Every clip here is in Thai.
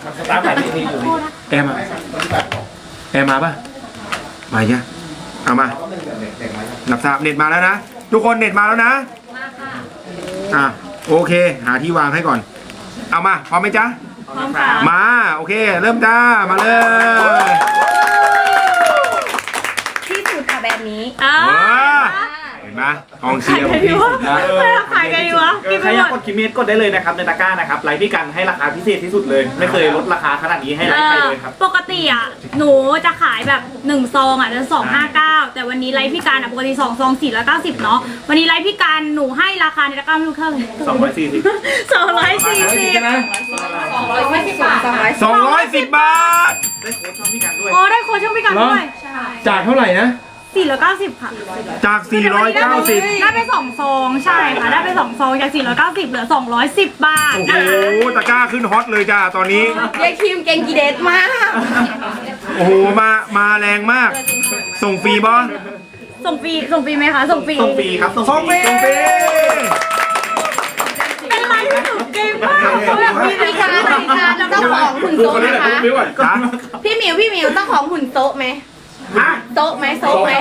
สตาร์ทแบบนี้อยู่แอร์มาป่ะมาใช่เอามาหลับทราบเน็ตมาแล้วนะทุกคนเน็ตมาแล้วนะโอเคหาที่วางให้ก่อนเอามาพร้อมไหมจ๊ะพร้อมค่ะมาโอเคเริ่มจ้ามาเลยที่สุดค่ะแบบนี้เห็นไหมกองเชียร์ผมที่สุดนะขายกันดีวะใครอยากกดคิมเมตกดได้เลยนะครับในตะกร้านะครับไลฟ์พี่กันให้ราคาพิเศษที่สุดเลยไม่เคยลดราคาขนาดนี้ให้ไลฟ์ใครเลยครับปกติอ่ะหนูจะขายแบบ1ซองอ่ะจะ259แต่วันนี้ไลฟ์พี่กันปกติ2ซอง490เนาะวันนี้ไลฟ์พี่กันหนูให้ราคาในตะกร้าไม่รู้เท่าไหร่240 นะ 210 บาทได้โค้ดช่องพี่กันด้วยได้โค้ชช่องพี่กันด้วยจากเท่าไหร่นะ 490ค่ะจาก490 ได้ไป2ซองใช่ค่ะได้ไป2ซองจาก490เหลือ210 บาทโอ้โหตะกร้าขึ้นฮอตเลยจ้าตอนนี้ยายคิมเก่งกีเดตมากโอ้โหมาแรงมากส่งฟรีบอส่งฟรีไหมคะส่งฟรีครับส่งฟรีเป็นไรที่หนูเก่งมากแบบพี่การเจ้าของหุ่นโต๊ะนะคะพี่หมิวเจ้าของหุ่นโต๊ะไหมโต๊ะไหม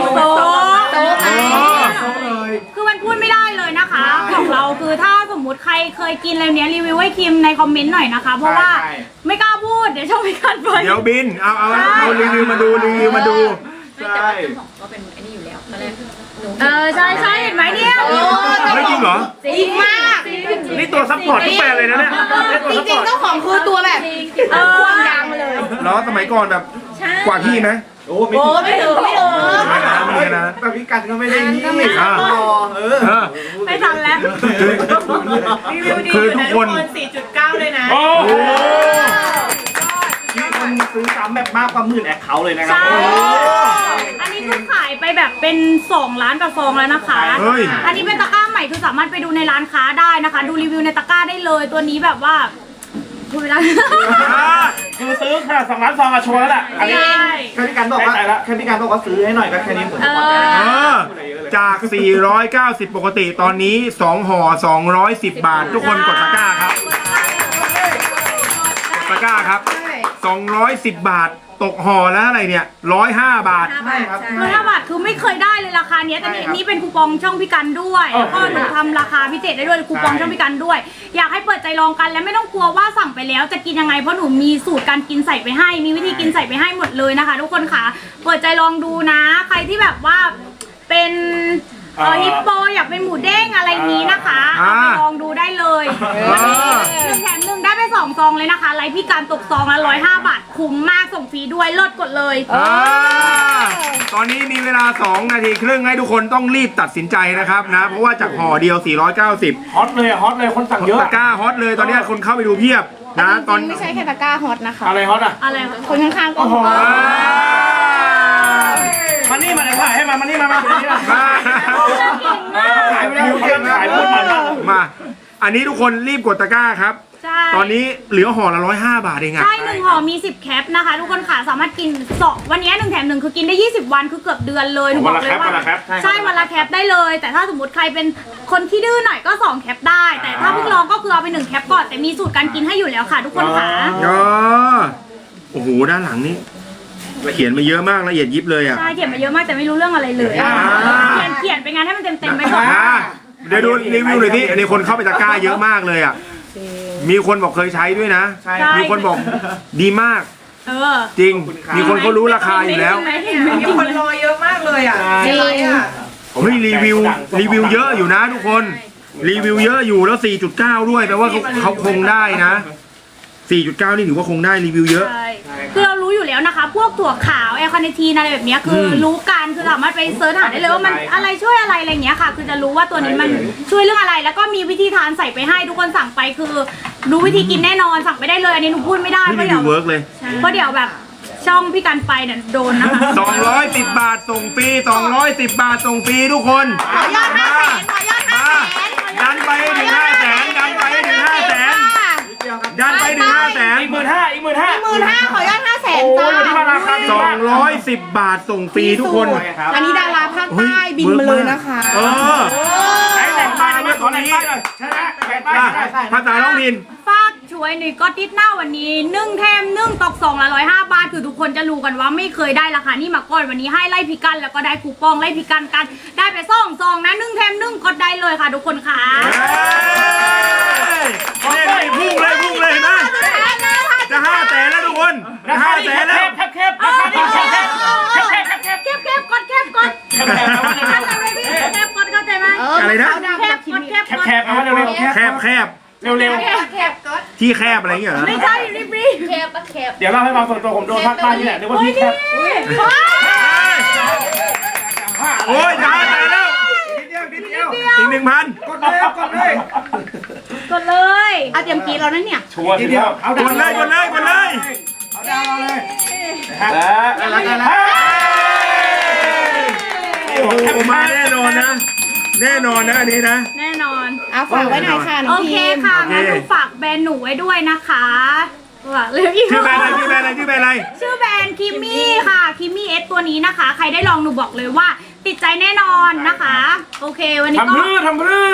คือมันพูดไม่ได้เลยนะคะของเราคือถ้าสมมุติใครเคยกินอะไรเนี้ยรีวิวให้คิมในคอมเมนต์หน่อยนะคะเพราะว่าไม่กล้าพูดเดี๋ยวช่องไม่กันไปเดี๋ยวบินเอารีวิวมาดูใช่ก็เป็นไอ้นี่อยู่แล้วตอนแรกใช่เห็นไหมเนี่ยไม่จริงเหรอจริงมากนี่ตัวซัพพอร์ตทุกแบรนด์เลยนะเนี่ยจริงๆเจ้าของคือตัวแบบควงยางมาเลยแล้วสมัยก่อนแบบกว่าพี่ไหมโอ้ไม่ถึงนะแบบพี่กันก็ไม่ได้นี่ไม่ทันแล้วคือทุกคน 4.9 เลยนะโอ้มีคนซื้อซ้ำแบบมากกว่า10,000แอคเคาท์เลยนะครับอันนี้คือขายไปแบบเป็น2 ล้านกว่าฟองแล้วนะคะอันนี้เป็นตะกร้าใหม่คือสามารถไปดูในร้านค้าได้นะคะดูรีวิวในตะกร้าได้เลยตัวนี้แบบว่าพูดไม่ได้คือซื้อขนาด2 ล้านซองอะโชว์แล้วแหละอันนี้แค่พี่กันบอกว่าซื้อให้หน่อยก็แค่นี้ผมจะบอกจาก490ปกติตอนนี้2ห่อ210 บาททุกคนกดตะกร้าครับตะกร้าครับ210 บาทตกห่อแล้วอะไรเนี่ย105 บาทใช่ครับ 105 บาทคือไม่เคยได้เลยราคาเนี้ยแต่นี่เป็นคูปองช่องพี่กันด้วยแล้วก็หนูทำราคาพิเศษได้ด้วยคูปองช่องพี่กันด้วยอยากให้เปิดใจลองกันและไม่ต้องกลัวว่าสั่งไปแล้วจะกินยังไงเพราะหนูมีสูตรการกินใส่ไปให้มีวิธีกินใส่ไปให้หมดเลยนะคะทุกคนค่ะเปิดใจลองดูนะใครที่แบบว่าเป็นฮิปโปอยากเป็นหมูเด้งอะไรนี้นะคะเอาไปลองดูได้เลย1 แถม 1ได้ไป2 ซองเลยนะคะไลฟ์พี่การตกซองละ105 บาทคุ้มมากส่งฟรีด้วยเลิศกดเลยตอนนี้มีเวลา2 นาทีครึ่งให้ทุกคนต้องรีบตัดสินใจนะครับนะเพราะว่าจากห่อเดียว490 ฮอตเลยคนสั่งเยอะตะกร้าฮอตเลยตอนนี้คนเข้าไปดูเพียบนะตอนไม่ใช่แค่ตะกร้าฮอตนะคะอะไรฮอตอะอะไรคนข้างๆก็ฮอตมานี่มาเลยถ่ายให้มานี่มาขายไปแล้วขายหมดมาอันนี้ทุกคนรีบกดตะกร้าครับตอนนี้เหลือห่อละ105 บาทเองอะใช่1ห่อมี10 แคปนะคะทุกคนค่ะสามารถกินวันนี้1 แถม 1คือกินได้20 วันคือเกือบเดือนเลยหนูบอกเลยว่าใช่วันละแคปได้เลยแต่ถ้าสมมติใครเป็นคนที่ดื้อหน่อยก็2 แคปได้แต่ถ้าเพิ่งลองก็คือเอาไป1 แคปก่อนแต่มีสูตรการกินให้อยู่แล้วค่ะทุกคนค่ะโอ้โหด้านหลังนี้เขียนมาเยอะมากละเอียดยิบเลยอ่ะใช่เขียนมาเยอะมากแต่ไม่รู้เรื่องอะไรเลยเขียนไปงานให้มันเต็มไปก่อนเดี๋ยวดูรีวิวหน่อยที่อันนี้คนเข้าไปตะกร้าเยอะมากเลยอ่ะมีคนบอกเคยใช้ด้วยนะมีคนบอกดีมากจริงมีคนเขารู้ราคาอยู่แล้วมีคนรอเยอะมากเลยอ่ะจริงเฮ้ยรีวิวเยอะอยู่นะทุกคนรีวิวเยอะอยู่แล้ว 4.9 ด้วยแปลว่าเขาคงได้นะ4.9 นี่ถือว่าคงได้รีวิวเยอะคือเรารู้อยู่แล้วนะคะพวกถั่วขาวแอลคาเนทีนอะไรแบบนี้คือรู้กันคือสามารถไปเซิร์ชหาได้เลยว่ามันอะไรช่วยอะไรอะไรเงี้ยค่ะคือจะรู้ว่าตัวนี้มันช่วยเรื่องอะไรแล้วก็มีวิธีทานใส่ไปให้ทุกคนสั่งไปคือรู้วิธีกินแน่นอนสั่งไปได้เลยอันนี้หนูพูดไม่ได้เพราะเดี๋ยวเวิร์กเลยเพราะเดี๋ยวแบบช่องพี่กันไปเนี่ยโดนนะคะ 210 บาทส่งฟรี210 บาทส่งฟรีทุกคนขอยอด500,000 ดันไปถึง500,000ดันไปถึง500,000ดันไปถึง500,000 อีก15,000 ขอยอด500,000จ้า 210 บาทส่งฟรีทุกคนอันนี้ดาราภาคใต้บินมาเลยนะคะไหนแต่งป้ายมาขอแต่งป้ายหน่อยชนะภาษาท้องถิ่นฝากช่วยหน่อยก็ติดหน้าวันนี้1 แถมตกซองละ105 บาทคือทุกคนจะรู้กันว่าไม่เคยได้ราคานี่มาก่อนวันนี้ให้ไล่พิกันแล้วก็ได้คูปองไล่พิกันกันได้ไปซองนะ1แถม1กดได้เลยค่ะทุกคนค่ะนี่พุ่งเลยนะจะ5 แสนแล้วทุกคนจะ5 แสนแล้วแคบราคานี้แคบแคบกดเข้าใจไหมพี่แคบกดเข้าใจไหมอะไรนะแคบกดแคบกดแคบเอาเร็วแคบเร็วแคบก็ที่แคบอะไรอย่างเงี้ยเหรอไม่ใช่รีบแคบก็แคบเดี๋ยวเล่าให้ฟังส่วนตัวผมโดนภาคใต้นี่แหละนึกว่าพี่แคบโอ้ยจะ5 แสนแล้วอีก 1,000 กดเลยกดเลยเอาเตรียมกีแล้วนั่นเนี่ยชัวร์ทีเดียวกดเลยเอาดาวเราเลยแล้วโอ้โหมาแน่นอนนะอันนี้นะแน่นอนเอาฝากไว้หน่อยค่ะน้โอองเคพิมค่ะงั้นหนูฝากแบรนด์หนูไว้ด้วยนะคะฝากเลยพี่ชื่อแบรนด์อะไรชื่อแบรนด์อะไรชื่อแบรนด์คิมมี่ค่ะคิมมี่เอสตัวนี้นะคะ ใครได้ลองหนูบอกเลยว่าติดใจแน่นอนนะคะ โอเควันนี้ก็ทำรื้อ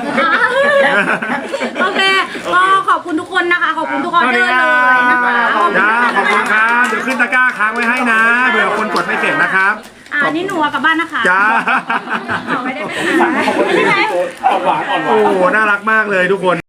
โอเคก็ขอบคุณทุกคนนะคะ ขอบคุณทุกออเดอร์เลยนะคะจ้าขอบคุณครับเดี๋ยวขึ้นตะกร้าค้างไว้ให้นะเผื่อคนกดไม่เสร็จนะครับนี่หนูเอากลับบ้านนะคะจ้าไม่ได้ไปไหนอ่อนหวานโอ้โหน่ารักมากเลยทุกคน